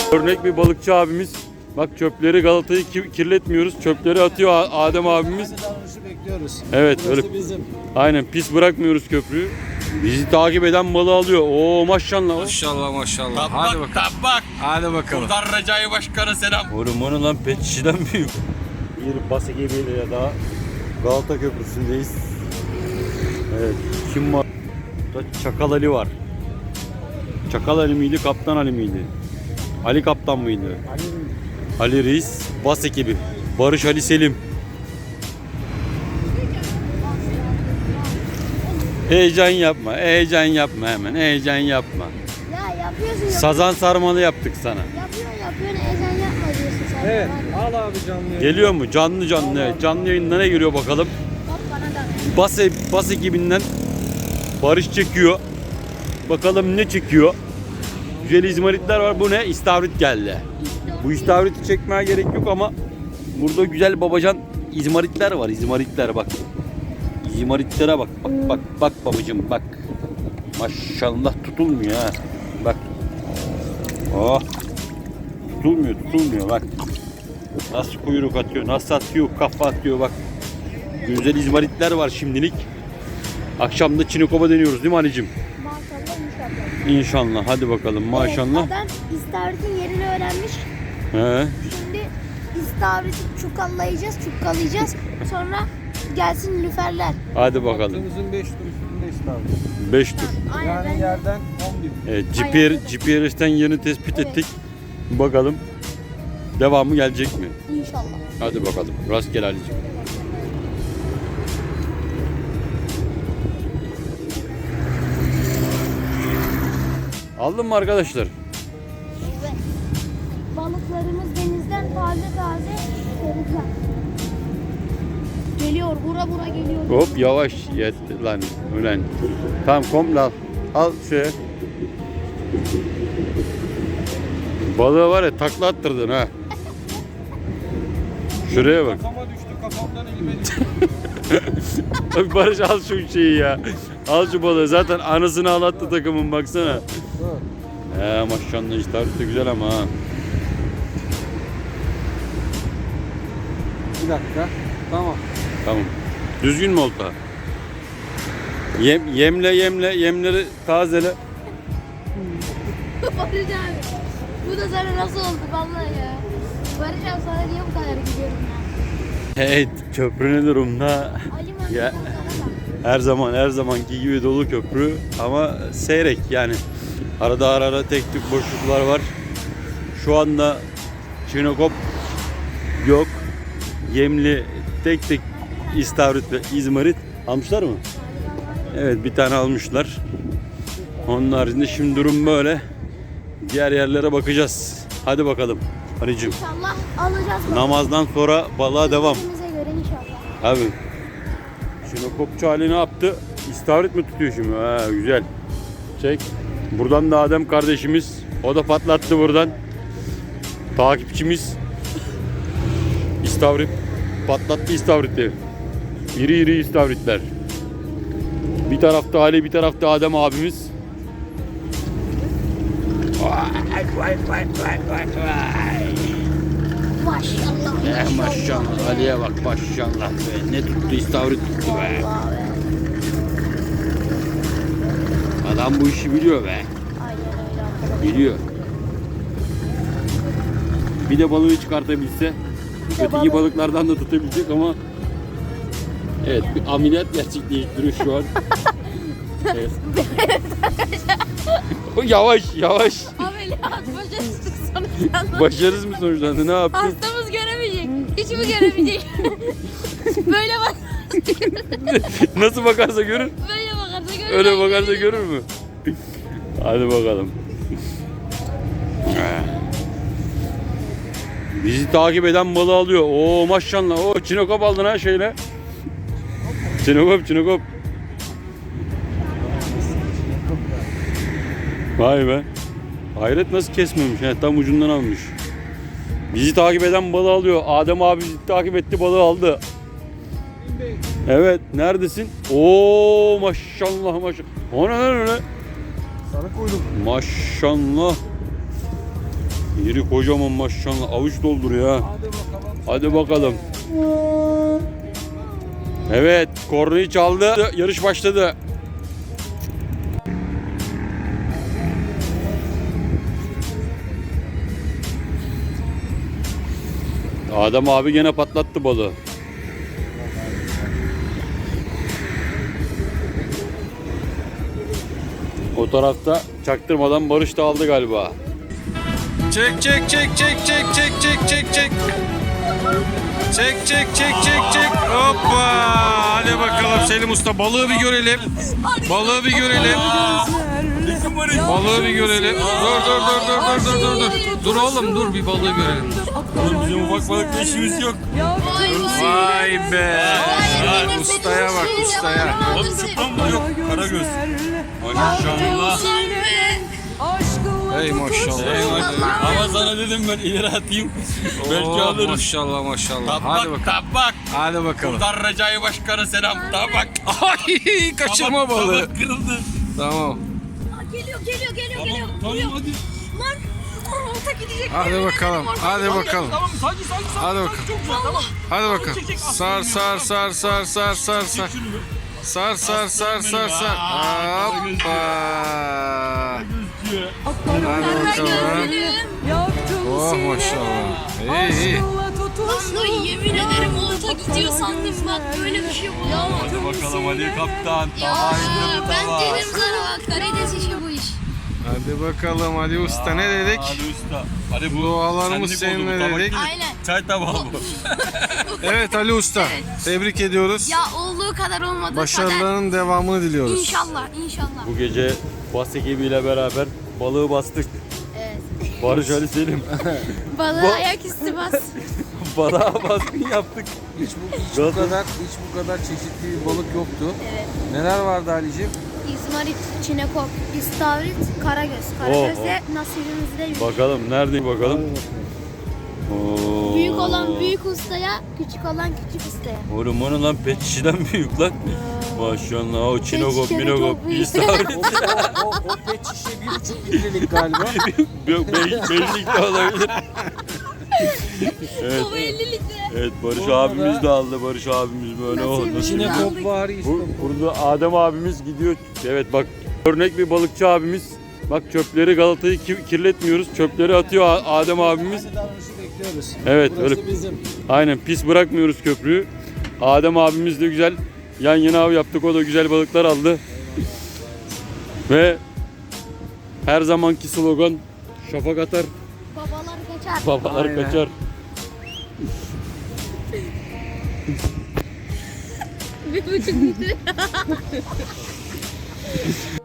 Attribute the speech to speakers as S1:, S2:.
S1: Örnek bir balıkçı abimiz. Bak çöpleri, Galata'yı kirletmiyoruz. Çöpleri atıyor Adem abimiz.
S2: Bekliyoruz.
S1: Evet
S2: Burası
S1: öyle.
S2: bizim.
S1: Aynen, pis bırakmıyoruz köprüyü. Bizi takip eden balığı alıyor. Oo maşallah.
S3: Maşallah maşallah.
S4: Hadi bakalım. Tabak.
S3: Hadi bakalım.
S4: Buradan Recai Başkan'a selam.
S1: Oğlum onu lan pet şişeden büyük. Bir bası gemiyle daha Galata Köprüsü'ndeyiz. Evet, kim var? Burada Çakal Ali var. Çakal Ali miydi, Kaptan Ali miydi? Ali Kaptan mıydı? Ali Reis, bas ekibi. Barış Ali Selim. Heyecan yapma, heyecan yapma hemen, heyecan yapma.
S5: Ya yapıyorsun.
S1: Sazan sarmalı yaptık sana.
S5: Yapıyorsun heyecan yapma diyorsun sen.
S2: Evet.
S5: Var ya.
S2: Al abi canlı.
S1: Geliyor mu? Canlı canlı. Evet. Canlı yayında ne geliyor bakalım.
S5: Bak bana da.
S1: Bas ekibinden Barış çekiyor. Bakalım ne çekiyor. Güzel izmaritler var. Bu ne? İstavrit geldi. Bu istavriti çekmeye gerek yok ama burada güzel babacan izmaritler var. İzmaritler bak. İzmaritlere bak. Bak babacığım bak. Maşallah tutulmuyor ha. Bak. Oh. Tutulmuyor bak. Nasıl kuyruk atıyor, nasıl atıyor, kafa atıyor bak. Güzel izmaritler var şimdilik. Akşam da Çinekop'a deniyoruz değil mi anneciğim?
S5: Maşallah inşallah.
S1: İnşallah. Hadi bakalım maşallah.
S5: Evet, adam istavritin yerini öğrenmiş.
S1: He.
S5: Şimdi istavriti çukallayacağız. Sonra gelsin lüferler.
S1: Hadi bakalım.
S2: Hattımızın 5 tur üstünde İstanbul.
S1: 5 tur.
S5: Aynen ben
S2: Yani
S5: de.
S2: yerden 11.
S1: Evet,
S5: Aynen.
S1: GPRS'ten yerini tespit
S5: Evet.
S1: ettik. Bakalım devamı gelecek mi?
S5: İnşallah.
S1: Hadi bakalım. Rastgele Ali'cim. Aldın mı arkadaşlar?
S5: Evet. Balıklarımız denizden taze seriden. Geliyor, bura geliyor.
S1: Hop yavaş yetti lan ulan. Tamam komple al. Al şeye. Balığı var ya takla attırdın ha. Şuraya bak.
S2: Kafama düştü, kafamdan elime düştü.
S1: Barış al şu şeyi ya. Al şu balığı. Zaten anasını ağlattı takımın baksana. Maşallah istavrit de güzel ama ha.
S2: Bir dakika. Tamam.
S1: Tamam. Düzgün mü olta? Yemleri tazele.
S5: Barış abi. Bu da sana nasıl oldu vallahi ya. Barış abi sana niye bu kadar gidiyorum ya?
S1: Evet, köprü ne durumda?
S5: Ali
S1: Ya.
S5: Mahmut'tan
S1: Her zamanki gibi dolu köprü ama seyrek yani. Arada ara tek tük boşluklar var. Şu anda Çinekop yok. Yemli tek istavrit ve izmarit almışlar mı? Evet, bir tane almışlar. Onun haricinde şimdi durum böyle. Diğer yerlere bakacağız. Hadi bakalım. Hanicim.
S5: İnşallah alacağız.
S1: Namazdan sonra balığa devam.
S5: Bize göre inşallah.
S1: Abi. Çinekopçu Ali ne yaptı? İstavrit mi tutuyor şimdi? Ha, güzel. Çek. Buradan da Adem kardeşimiz. O da patlattı buradan. Takipçimiz. İstavrit. Patlattı istavriti. İri istavritler. Bir tarafta Ali, bir tarafta Adem abimiz.
S5: Maşallah.
S1: Maşallah. Ali'ye bak maşallah be. Ne tuttu? İstavrit tuttu be.
S5: Vallahi be.
S1: Adam bu işi biliyor be.
S5: Aynen öyle arkadaşlar.
S1: Biliyor. Bir de balığı çıkartabilse, öteki balıklardan da tutabilecek ama evet, bir ameliyat gerçekleştiriyor şu an. Evet. Yavaş.
S5: Ameliyat başarısız sonuçlandı.
S1: Başarısız mı sonuçlandı? Ne yaptın?
S5: Hastamız göremeyecek. Hiç mi göremeyecek? Böyle bak.
S1: Nasıl bakarsa görür.
S5: Böyle bakarsa görür.
S1: Öyle bakarsa görür mü? Hadi bakalım. Bizi takip eden balığı alıyor. Oo maşallah. Oo Çinekop aldın ha şeyle. Çinekop. Vay be. Hayret nasıl kesmemiş. Yani tam ucundan almış. Bizi takip eden balığı alıyor. Adem abi bizi takip etti, balığı aldı. Evet, neredesin? Oo maşallah. O ne?
S2: Sarı kuyruk.
S1: Maşallah. Yeri kocaman maşallah. Avuç dolduruyor ha. Hadi bakalım. Evet, kornayı çaldı. Yarış başladı. Adem abi gene patlattı balığı. O tarafta çaktırmadan Barış da aldı galiba.
S3: Çek çek çek çek çek çek çek çek çek. Çek çek çek çek çek. Hoppa. Hadi bakalım Selim Usta, balığı bir görelim. Balığı bir görelim. Balığı bir görelim. Dur. Dur oğlum dur, bir balığı görelim.
S1: Bizim ufak balıkla işimiz yok.
S3: Vay be. Ustaya bak, ustaya.
S1: Oğlum çıpan mı yok? Karagöz. Maşallah.
S3: Hey maşallah.
S1: Ama sana dedim ben ileri atayım. Belki
S3: Oh,
S1: alırız.
S3: maşallah maşallah. Hadi
S4: Tabak
S3: bakalım.
S4: tabak.
S3: Hadi bakalım.
S4: Buradan Recai Başkan'a selam. Tabak.
S3: Ay, kaçırma balığı.
S4: Tabak kırıldı.
S3: Tamam.
S5: Geliyor.
S1: Tamam hadi.
S5: Lan olta gidecek.
S3: Hadi bakalım. Hadi bakalım.
S2: Tamam sakin.
S3: Hadi bakalım.
S2: Çok güzel tamam.
S3: Hadi bakalım. Sar. Hoppa. Hadi bakalım. Oh maşallah. İyi.
S5: Vallahi yemin ederim olta gidiyor sandım bak böyle bir şey olamaz.
S1: Hadi bakalım Ali kaptan.
S5: Ya ben dedim sana bak karides işi bu iş.
S3: Hadi bakalım Ali Usta, ne dedik?
S1: Hadi usta. Hadi bu
S3: Dualarımız
S1: senlik oldu bu
S3: seninle
S1: tabak.
S3: dedik.
S5: Aynen.
S1: Çay tabağı bu.
S3: Evet Ali Usta, tebrik ediyoruz.
S5: Ya olduğu kadar olmadığı kadar.
S3: Başarıların devamını diliyoruz.
S5: İnşallah.
S1: Bu gece bas ekibiyle beraber balığı bastık.
S5: Evet.
S1: Barış Ali Selim.
S5: Balığı ayaküstü bas.
S1: Balığa baskın yaptık.
S6: Hiç bu kadar çeşitli bir balık yoktu.
S5: Evet.
S6: Neler vardı Ali'ciğim?
S5: İzmarit, çinekop, istavrit, karagöz. Karagöz'de nasibimizde büyük.
S1: Bakalım neredeyim bakalım. Oo.
S5: Büyük olan büyük ustaya, küçük olan küçük ustaya.
S1: Oğlum onun lan pet şişeden büyük lan. Maşallah o çinokop
S5: şişede
S1: minokop
S5: çok büyük.
S1: istavrit.
S6: O pet şişe 1,5 litrelik galiba.
S1: Yok beşlik de olabilir. Evet.
S5: Baba 50 litre.
S1: Evet Barış abimiz de aldı. Barış abimiz böyle oldu.
S5: Nasibimizi
S6: İçine
S5: aldık.
S6: kop var işte.
S1: Burada Adem abimiz gidiyor. Evet bak örnek bir balıkçı abimiz. Bak çöpleri Galata'yı kirletmiyoruz. Çöpleri atıyor Adem abimiz.
S6: Aynı davranışı bekliyoruz.
S1: Evet
S6: Burası
S1: öyle.
S6: bizim.
S1: Aynen pis bırakmıyoruz köprüyü. Adem abimiz de güzel yan yana av yaptık. O da güzel balıklar aldı. Ve her zamanki slogan şafak atar,
S5: Babalar kaçar.
S1: babalar
S6: Aynen.
S1: kaçar.
S5: 1,5 litre.